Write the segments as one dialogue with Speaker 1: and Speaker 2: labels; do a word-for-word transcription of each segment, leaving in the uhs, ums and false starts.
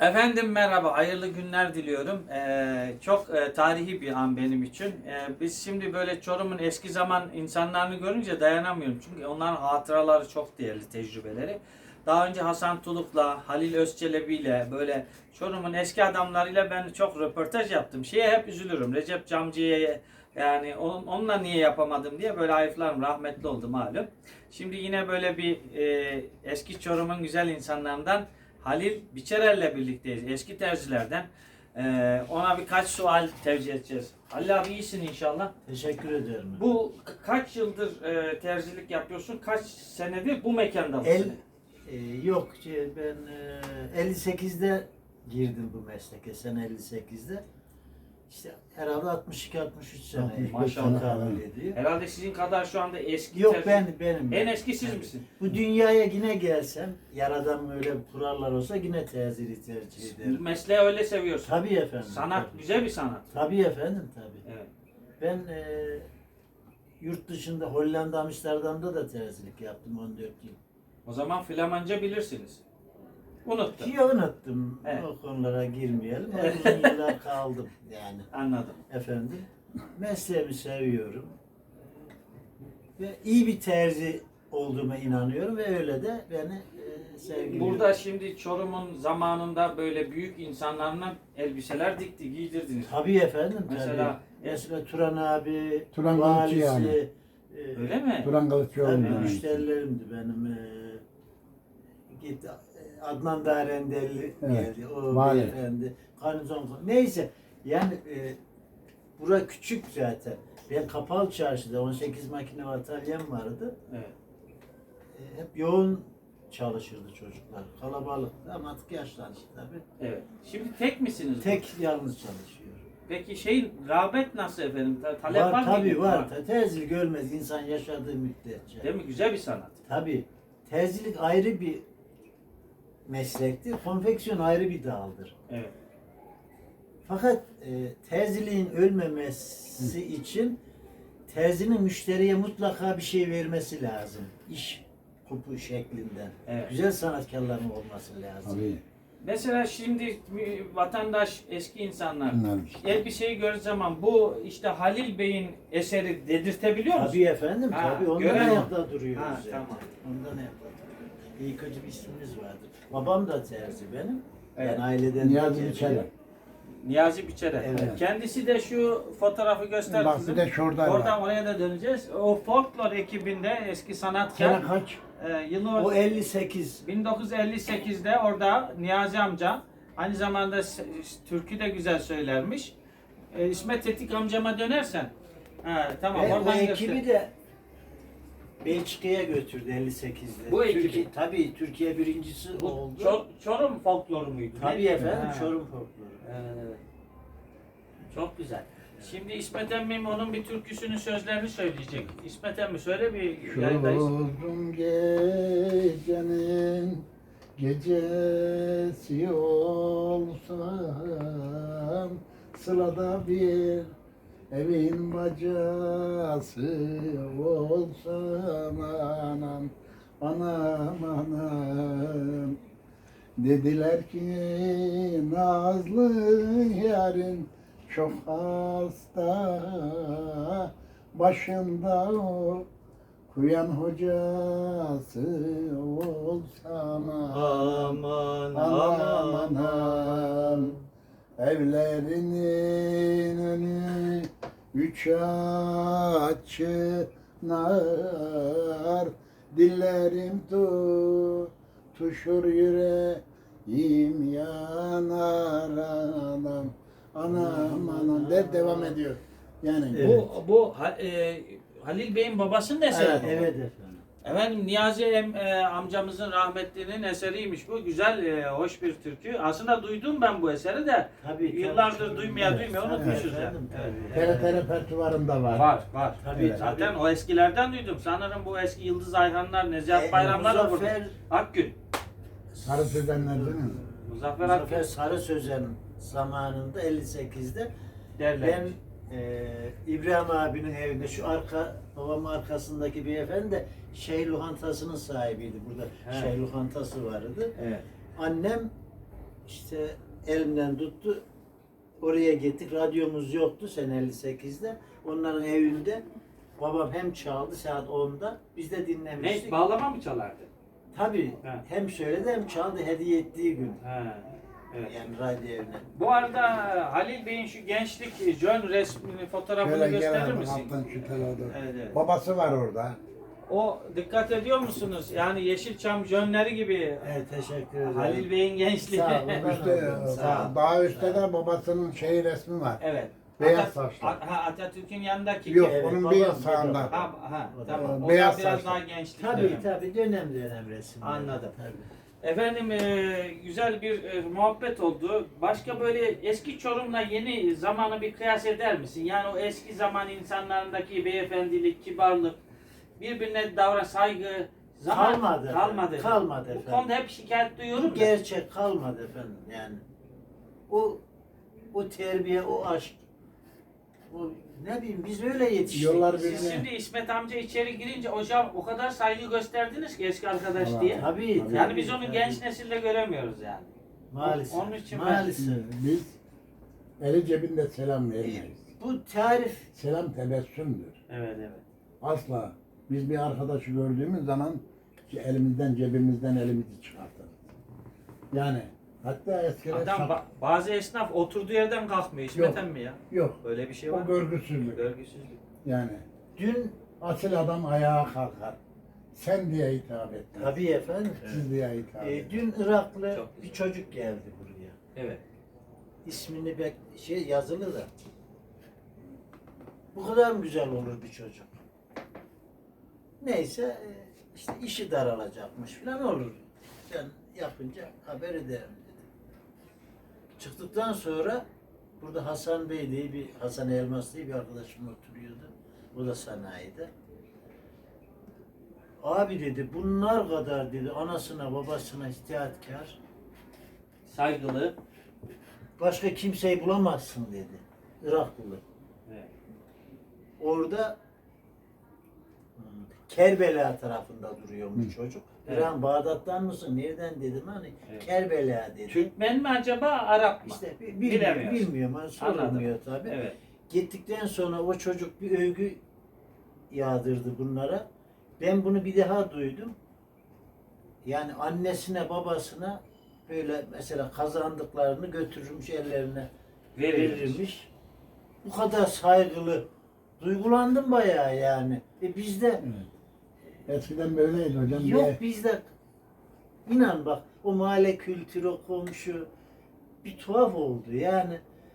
Speaker 1: Efendim merhaba, hayırlı günler diliyorum. Ee, çok e, tarihi bir an benim için. Ee, biz şimdi böyle Çorum'un eski zaman insanlarını görünce dayanamıyorum. Çünkü onların hatıraları çok değerli, tecrübeleri. Daha önce Hasan Tuluk'la, Halil Özçelebi'yle böyle Çorum'un eski adamlarıyla ben çok röportaj yaptım. Şeye hep üzülürüm. Recep Camcı'ya yani on- onunla niye yapamadım diye böyle hayıflarım. Rahmetli oldu malum. Şimdi yine böyle bir e, eski Çorum'un güzel insanlarından Halil Biçerer'le birlikteyiz. Eski terzilerden. Ee, ona birkaç sual tevcih edeceğiz. Halil abi iyisin inşallah.
Speaker 2: Teşekkür ederim.
Speaker 1: Bu ka- kaç yıldır e, terzilik yapıyorsun? Kaç senedir bu mekanda mısın?
Speaker 2: El e, yok şey, ben e, elli sekizde girdim bu mesleke, sene elli sekizde. İşte herhalde altmış iki altmış üç sene.
Speaker 3: altmış beş
Speaker 1: Maşallah.
Speaker 2: Tekabül ediyor.
Speaker 1: Herhalde sizin kadar şu anda eski
Speaker 2: Yok
Speaker 1: terzi-
Speaker 2: ben benim.
Speaker 1: En eski siz
Speaker 2: Evet.
Speaker 1: misin?
Speaker 2: Bu dünyaya yine gelsem, yaradan böyle kurallar olsa yine teziri tercih ederim.
Speaker 1: Mesleği öyle seviyorsun.
Speaker 2: Tabii efendim.
Speaker 1: Sanat
Speaker 2: tabii.
Speaker 1: güzel bir sanat.
Speaker 2: Tabii efendim tabii.
Speaker 1: Evet.
Speaker 2: Ben e, yurt dışında Hollanda, Amsterdam'da da terzilik yaptım on dört yıl.
Speaker 1: O zaman Flamanca bilirsiniz. Unuttum.
Speaker 2: Ki unuttum.
Speaker 1: Evet.
Speaker 2: O konulara girmeyelim. Ama uzun yıllar kaldım yani.
Speaker 1: Anladım.
Speaker 2: Efendim. Mesleğimi seviyorum. Ve iyi bir terzi olduğuma inanıyorum ve öyle de beni e, sevgiliyorum.
Speaker 1: Burada şimdi Çorum'un zamanında böyle büyük insanlarına elbiseler dikti, giydirdiniz.
Speaker 2: Tabii efendim.
Speaker 1: Mesela-
Speaker 2: tabii. Mesela Turan abi,
Speaker 3: Turan
Speaker 2: valisi,
Speaker 3: Kılıççı yani.
Speaker 2: e,
Speaker 1: Öyle mi?
Speaker 3: Turan Kılıççıoğlu.
Speaker 2: Tabii
Speaker 3: yani.
Speaker 2: müşterilerimdi benim. E, git e, Adnan Darendelli
Speaker 3: Evet,
Speaker 2: geldi. O
Speaker 3: vali.
Speaker 2: beyefendi. Garnizon. Neyse. Yani e, bura küçük zaten. Ben Kapalı Çarşı'da on sekiz makine atölyem vardı.
Speaker 1: Evet.
Speaker 2: E, hep yoğun çalışırdı çocuklar. Kalabalıktı ama artık yaşlandı tabii.
Speaker 1: Evet. Şimdi tek misiniz?
Speaker 2: Tek yalnız çalışıyor.
Speaker 1: Peki şey rağbet nasıl efendim? Ta- Talep var,
Speaker 2: Var,
Speaker 1: mı?
Speaker 2: tabii var. Ta- Terzilik ölmez insan yaşadığı müddetçe.
Speaker 1: Değil mi? Güzel bir sanat.
Speaker 2: Tabii. Terzilik ayrı bir meslektir. Konfeksiyon ayrı bir daldır.
Speaker 1: Evet.
Speaker 2: Fakat e, terziliğin ölmemesi için terzinin müşteriye mutlaka bir şey vermesi lazım. İş kupu şeklinden.
Speaker 1: Evet.
Speaker 2: Güzel sanatkarların olması lazım.
Speaker 3: Tabii.
Speaker 1: Mesela şimdi vatandaş, eski insanlar
Speaker 3: Bunlar.
Speaker 1: elbiseyi gördüğü zaman bu işte Halil Bey'in eseri dedirtebiliyor musun?
Speaker 2: Tabii efendim,
Speaker 1: Ha,
Speaker 2: tabii. Ondan
Speaker 1: gören o.
Speaker 2: ayakta duruyoruz.
Speaker 1: Ha,
Speaker 2: yani.
Speaker 1: tamam.
Speaker 2: Ondan ayakta duruyoruz. İyi kötü bir ismimiz vardır. Babam da terzi benim.
Speaker 1: Evet.
Speaker 2: Ben aileden
Speaker 3: Niyazi
Speaker 2: geliyor.
Speaker 3: Biçer'e.
Speaker 1: Niyazi Biçer'e.
Speaker 2: Evet.
Speaker 1: Kendisi de şu fotoğrafı göster
Speaker 3: Bak
Speaker 1: kızım.
Speaker 3: bir de şurada
Speaker 1: Oradan
Speaker 3: var.
Speaker 1: oraya da döneceğiz. O folklor ekibinde eski sanatkar.
Speaker 3: Sene kaç?
Speaker 1: e, yılı
Speaker 2: O elli sekiz.
Speaker 1: bin dokuz yüz elli sekizde orada Niyazi amca aynı zamanda s- türkü de güzel söylermiş. E, İsmet Tetik amcama dönersen. Ha, tamam
Speaker 2: Ve o
Speaker 1: oradan
Speaker 2: ekibi
Speaker 1: göster.
Speaker 2: de Belçika'ya götürdü elli sekizde.
Speaker 1: Bu ekibi?
Speaker 2: Türkiye, tabii Türkiye birincisi
Speaker 1: Bu
Speaker 2: oldu.
Speaker 1: Çor- Çorum folkloru muydu?
Speaker 2: Tabii
Speaker 1: Ne?
Speaker 2: efendim,
Speaker 1: Ha.
Speaker 2: Çorum folkloru.
Speaker 1: Evet. Çok güzel. Şimdi İsmet emmim onun bir türküsünün sözlerini söyleyecek. İsmet emmi söyle bir
Speaker 3: Şu
Speaker 1: yayındayız.
Speaker 3: uzun gecenin gecesi olsam sılada bir evin bacası olsam anam anam anam dediler ki nazlı yarın çok hasta başında o kuyan hocası olsam
Speaker 2: Aman
Speaker 3: aman aman evlerinin önü üç açınar dillerim tutuşur yüreğim yanar anam anam anam der devam ediyor yani
Speaker 2: Evet.
Speaker 1: Bu bu Ha- e, Halil Bey'in babasının eseri.
Speaker 2: Evet,
Speaker 1: bu.
Speaker 2: evet efendim.
Speaker 1: Efendim Niyazi em, e, amcamızın rahmetlinin eseriymiş bu. Güzel, e, hoş bir türkü. Aslında duydum ben bu eseri de
Speaker 2: Tabii,
Speaker 1: yıllardır
Speaker 2: tabii.
Speaker 1: duymaya
Speaker 2: Evet,
Speaker 1: duymaya
Speaker 2: tabii
Speaker 1: unutmuşuz ya.
Speaker 2: efendim, tabii.
Speaker 1: Evet.
Speaker 3: T R T repertuvarında var.
Speaker 1: Var, var.
Speaker 2: Tabii,
Speaker 3: Evet.
Speaker 2: tabii.
Speaker 1: Zaten o eskilerden duydum. Sanırım bu eski Yıldız Ayhanlar, Nezihat
Speaker 2: E,
Speaker 1: Bayramlar da burada.
Speaker 2: Muzaffer,
Speaker 1: Akgün.
Speaker 3: Sarı Sözenler değil mi?
Speaker 1: Muzaffer
Speaker 2: Muzaffer
Speaker 1: Akgün
Speaker 2: Sarı Sözen zamanında elli sekizde
Speaker 1: derler.
Speaker 2: ben e, İbrahim abinin evinde şu arka babamın arkasındaki beyefendi de şey lokantasının sahibiydi. Burada
Speaker 1: He.
Speaker 2: şey lokantası vardı.
Speaker 1: Evet.
Speaker 2: Annem işte elimden tuttu. Oraya gittik. Radyomuz yoktu sene elli sekizde. Onların evinde babam hem çaldı saat onda. Biz de dinlemiştik.
Speaker 1: Ne? Bağlama mı çalardı?
Speaker 2: Tabii
Speaker 1: Ha.
Speaker 2: hem söyledi hem çaldı hediye ettiği gün.
Speaker 1: Ha. Evet.
Speaker 2: Yani radyo evine.
Speaker 1: Bu arada Halil Bey'in şu gençlik John resmini, fotoğrafını
Speaker 3: Şöyle
Speaker 1: gösterir
Speaker 3: gel
Speaker 1: misin?
Speaker 3: alttan şu tarafa.
Speaker 1: Evet, evet.
Speaker 3: Babası var orada.
Speaker 1: O dikkat ediyor musunuz? Yani Yeşilçam John'leri gibi
Speaker 2: Evet teşekkür ederim.
Speaker 1: Halil Bey'in gençliği.
Speaker 2: Sağ olun.
Speaker 3: Üstte,
Speaker 2: Sağ ol.
Speaker 3: daha üstte de babasının şey resmi var.
Speaker 1: Evet.
Speaker 3: Beyaz
Speaker 1: Atat-
Speaker 3: saçlı.
Speaker 1: A- ha, Atatürk'ün yanındaki.
Speaker 3: Yok,
Speaker 2: Evet,
Speaker 3: onun
Speaker 2: babam
Speaker 3: bir
Speaker 2: burada.
Speaker 3: sağında.
Speaker 1: Ha, ha,
Speaker 2: O da-
Speaker 1: tamam. O
Speaker 3: Beyaz
Speaker 1: da biraz
Speaker 3: saçlı.
Speaker 1: daha gençlik.
Speaker 2: Tabii
Speaker 1: dönemi.
Speaker 2: tabii dönem dönem resim.
Speaker 1: Anladım.
Speaker 2: Tabii.
Speaker 1: Efendim e, güzel bir e, muhabbet oldu. Başka böyle eski Çorum'la yeni zamanı bir kıyas eder misin? Yani o eski zaman insanlarındaki beyefendilik, kibarlık, birbirine davran saygı zaman
Speaker 2: Kalmadı.
Speaker 1: Kalmadı.
Speaker 2: Kalmadı
Speaker 1: Bu
Speaker 2: efendim.
Speaker 1: konuda hep şikayet duyuyorum.
Speaker 2: Bu
Speaker 1: da.
Speaker 2: gerçek kalmadı efendim yani. O o terbiye, o aşk, o ne bileyim biz öyle yetiştik.
Speaker 3: Yollar
Speaker 1: Siz
Speaker 3: birbirine.
Speaker 1: şimdi İsmet amca içeri girince hocam o kadar saygı gösterdiniz ki eski arkadaş
Speaker 3: Allah.
Speaker 1: diye.
Speaker 2: Tabii.
Speaker 3: Yani
Speaker 1: Yani
Speaker 2: tabii,
Speaker 1: biz onu
Speaker 2: tabii.
Speaker 1: genç nesilde göremiyoruz yani.
Speaker 2: Maalesef.
Speaker 1: Onun için ben-
Speaker 2: maalesef.
Speaker 3: Biz eli cebinde selam vermeyiz.
Speaker 2: Bu tarif
Speaker 3: Selam tebessümdür.
Speaker 1: Evet evet.
Speaker 3: Asla. Biz bir arkadaşı gördüğümüz zaman elimizden cebimizden elimizi çıkartırız. Yani hatta eskiden
Speaker 1: Adam
Speaker 3: şap-
Speaker 1: ba- bazı esnaf oturduğu yerden kalkmıyor İsmet
Speaker 3: Yok.
Speaker 1: emmi ya.
Speaker 3: yok.
Speaker 1: Böyle bir şey var
Speaker 3: O
Speaker 1: mı?
Speaker 3: görgüsüzlük.
Speaker 1: Görgüsüzlük.
Speaker 3: Yani
Speaker 2: dün
Speaker 3: asil adam ayağa kalkar. Sen diye hitap et.
Speaker 2: tabii efendim.
Speaker 3: Siz diye hitap
Speaker 2: e,
Speaker 3: et.
Speaker 2: dün Iraklı
Speaker 1: Çok
Speaker 2: bir
Speaker 1: güzel.
Speaker 2: çocuk geldi buraya.
Speaker 1: Evet.
Speaker 2: İsmini bek şey yazılı da. Bu kadar mı güzel olur bir çocuk? Neyse e, işte işi daralacakmış falan olur. Sen yapınca haber ederim dedi. Çıktıktan sonra burada Hasan Bey diye bir Hasan Elmas diye bir arkadaşım oturuyordu. O da sanayide. Abi dedi bunlar kadar dedi anasına babasına itaat,kar
Speaker 1: Saygılı.
Speaker 2: başka kimseyi bulamazsın dedi. Iraklı.
Speaker 1: Evet.
Speaker 2: Orada hmm, Kerbela tarafında duruyor bu
Speaker 3: Hı.
Speaker 2: çocuk.
Speaker 1: Evet.
Speaker 2: İran Bağdat'tan mısın? Nereden dedim hani
Speaker 1: Evet.
Speaker 2: Kerbela dedi.
Speaker 1: Türkmen mi acaba Arap mı?
Speaker 2: İşte bi- bilmiyorum,
Speaker 1: Bilemiyoruz.
Speaker 2: bilmiyorum. Hani sorulmuyor tabii.
Speaker 1: Evet.
Speaker 2: Gittikten sonra o çocuk bir övgü yağdırdı bunlara. Ben bunu bir daha duydum. Yani annesine babasına böyle mesela kazandıklarını götürürmüş ellerine
Speaker 1: Verilmiş.
Speaker 2: verilmiş. Bu kadar saygılı. Duygulandım bayağı yani. E bizde
Speaker 3: Evet. Eskiden böyleydi hocam.
Speaker 2: yok
Speaker 3: diye-
Speaker 2: bizde inan bak o mahalle kültürü, o komşu bir tuhaf oldu yani.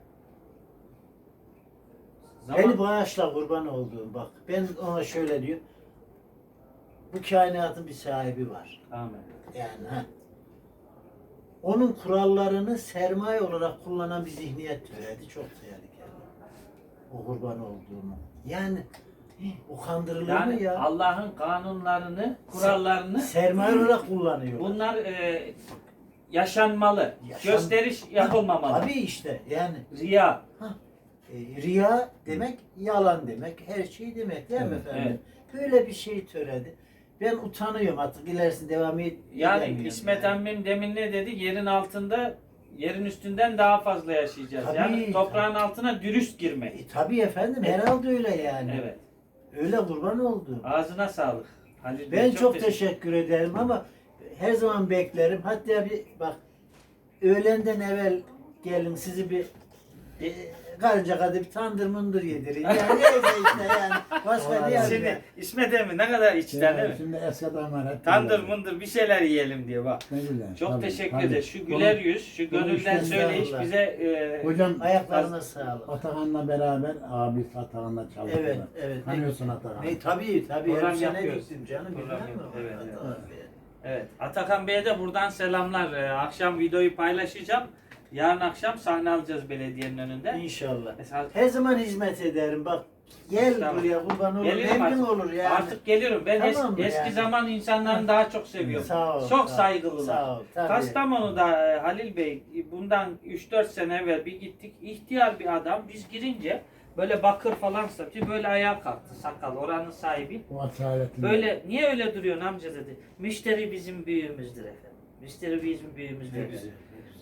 Speaker 1: Zaman-
Speaker 2: Beni bağışla kurban olduğum bak. Ben ona şöyle diyor. Bu kainatın bir sahibi var.
Speaker 1: Amin.
Speaker 2: Yani ha. Onun kurallarını sermaye olarak kullanan bir zihniyet türedi. Çok tehlikeli. O kurban olduğumu. Yani o kandırılır mı
Speaker 1: Yani
Speaker 2: ya?
Speaker 1: Allah'ın kanunlarını, kurallarını
Speaker 2: Sermaye olarak kullanıyor.
Speaker 1: bunlar e, yaşanmalı.
Speaker 2: Yaşan-
Speaker 1: Gösteriş yapılmamalı.
Speaker 2: Tabii işte yani
Speaker 1: Riya.
Speaker 2: e, riya demek yalan demek, her şey demek değil mi
Speaker 3: Evet,
Speaker 2: efendim? Böyle bir şey töredi. Ben utanıyorum artık ilerisini devam et.
Speaker 1: Yani
Speaker 2: edemiyorum
Speaker 1: İsmet
Speaker 2: yani.
Speaker 1: emmim demin ne dedi? Yerin altında, yerin üstünden daha fazla yaşayacağız.
Speaker 2: Tabii,
Speaker 1: yani toprağın
Speaker 2: tabii.
Speaker 1: altına dürüst girmek.
Speaker 2: E, tabii efendim herhalde öyle yani.
Speaker 1: Evet.
Speaker 2: Öyle kurban oldum.
Speaker 1: Ağzına sağlık. Halil Bey,
Speaker 2: Ben çok,
Speaker 1: teşekkür-
Speaker 2: teşekkür ederim ama her zaman beklerim. Hatta bir bak öğlenden evvel gelin sizi bir e, karınca kadar bir tandır mundur yedirin. Yani neyse işte yani. Başka diye.
Speaker 1: Şimdi İsmet emmi ne kadar içten değil mi?
Speaker 3: Şimdi eskiden var. hep
Speaker 1: Tandır
Speaker 3: böyle.
Speaker 1: mındır bir şeyler yiyelim diye bak.
Speaker 3: Ne güzel.
Speaker 1: Çok
Speaker 3: tabii,
Speaker 1: teşekkür
Speaker 3: tabii.
Speaker 1: ederiz. Şu güler yüz, şu
Speaker 3: bunu
Speaker 1: gönülden
Speaker 3: işte
Speaker 1: söyleyiş
Speaker 2: estağfurullah.
Speaker 1: bize e,
Speaker 3: Hocam
Speaker 2: Ayaklarına sağlık.
Speaker 3: Atahan'la beraber abi Atahan'la çalıştılar.
Speaker 2: Evet, evet.
Speaker 3: Tanıyorsun Atahan'ı.
Speaker 2: Ne tabii tabii
Speaker 1: Program
Speaker 2: her sene
Speaker 1: yapıyoruz.
Speaker 2: gittim canım.
Speaker 1: Program
Speaker 2: bilmem mi?
Speaker 1: yapıyoruz, evet,
Speaker 2: Tabii.
Speaker 1: evet. Atakan Bey'e de buradan selamlar. E, akşam videoyu paylaşacağım. Yarın akşam sahne alacağız belediyenin önünde.
Speaker 2: İnşallah.
Speaker 1: Mesela
Speaker 2: Her zaman hizmet ederim. Bak gel
Speaker 1: Tamam.
Speaker 2: buraya kurban olur.
Speaker 1: gelirim
Speaker 2: Memnun
Speaker 1: artık.
Speaker 2: olur yani.
Speaker 1: Artık gelirim. Ben es-
Speaker 2: Tamam mı
Speaker 1: eski
Speaker 2: yani?
Speaker 1: zaman insanlarını daha çok seviyorum.
Speaker 2: Sağ ol,
Speaker 1: Çok
Speaker 2: sağ ol,
Speaker 1: saygılılar.
Speaker 2: sağ ol, tabii.
Speaker 1: Kastamonu'da e, Halil Bey bundan üç dört sene evvel bir gittik. İhtiyar bir adam biz girince böyle bakır falan satıyor. Böyle ayağa kalktı sakal oranın sahibi.
Speaker 3: O asaletini.
Speaker 1: Böyle niye öyle duruyorsun amca dedi. Müşteri bizim büyüğümüzdür efendim. Müşteri bizim büyüğümüzdür.
Speaker 2: Ne
Speaker 1: efendim.
Speaker 2: güzel, ne güzel.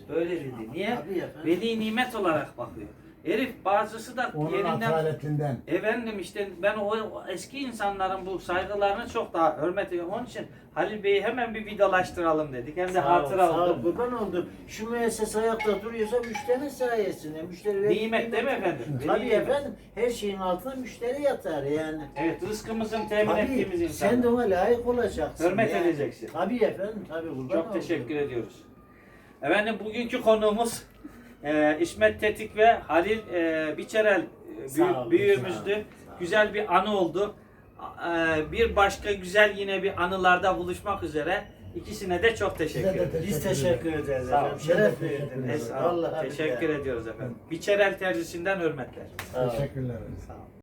Speaker 1: Böyle dedi. Niye?
Speaker 2: Tabii efendim.
Speaker 1: Veli nimet olarak bakıyor. Herif bazısı da
Speaker 3: Onun
Speaker 1: yerinden...
Speaker 3: asaletinden.
Speaker 1: Efendim işte ben o, o eski insanların bu saygılarını çok daha hürmet ediyorum. Onun için Halil Bey'i hemen bir vidalaştıralım dedik. Hem de
Speaker 2: Sağ ol,
Speaker 1: hatıra
Speaker 2: sağ ol,
Speaker 1: oldu.
Speaker 2: kurban oldum. Şu müessese ayakta duruyorsa müşteri sayesinde. Müşteri ve
Speaker 1: Nimet değil mi efendim?
Speaker 2: Tabii
Speaker 1: Veli nimet.
Speaker 2: efendim. Her şeyin altında müşteri yatar yani.
Speaker 1: Evet, rızkımızın temin ettiğimiz
Speaker 2: Tabii
Speaker 1: insanlar.
Speaker 2: sen de ona layık olacaksın.
Speaker 1: Hürmet
Speaker 2: yani.
Speaker 1: edeceksin.
Speaker 2: Tabii efendim, tabii kurban
Speaker 1: Çok
Speaker 2: oldum.
Speaker 1: teşekkür ediyoruz. Efendim bugünkü konuğumuz e, İsmet Tetik ve Halil e, Biçerel e,
Speaker 2: Sağ
Speaker 1: büyü-
Speaker 2: olun,
Speaker 1: büyüğümüzdü.
Speaker 2: sağ olun, sağ olun.
Speaker 1: Güzel bir anı oldu. E, bir başka güzel yine bir anılarda buluşmak üzere. İkisine de çok teşekkür
Speaker 3: Size de
Speaker 1: ederim.
Speaker 2: Biz teşekkür ederiz
Speaker 1: Sağ ol.
Speaker 2: efendim. Şeref
Speaker 3: Teşekkür
Speaker 2: verdiniz.
Speaker 3: ederiz.
Speaker 1: Sağ ol.
Speaker 2: Vallahi
Speaker 1: Teşekkür
Speaker 2: billahi.
Speaker 1: ediyoruz efendim. Biçerel tercihsinden hürmetler.
Speaker 2: Sağ ol.
Speaker 3: Teşekkürler.
Speaker 1: Sağ ol.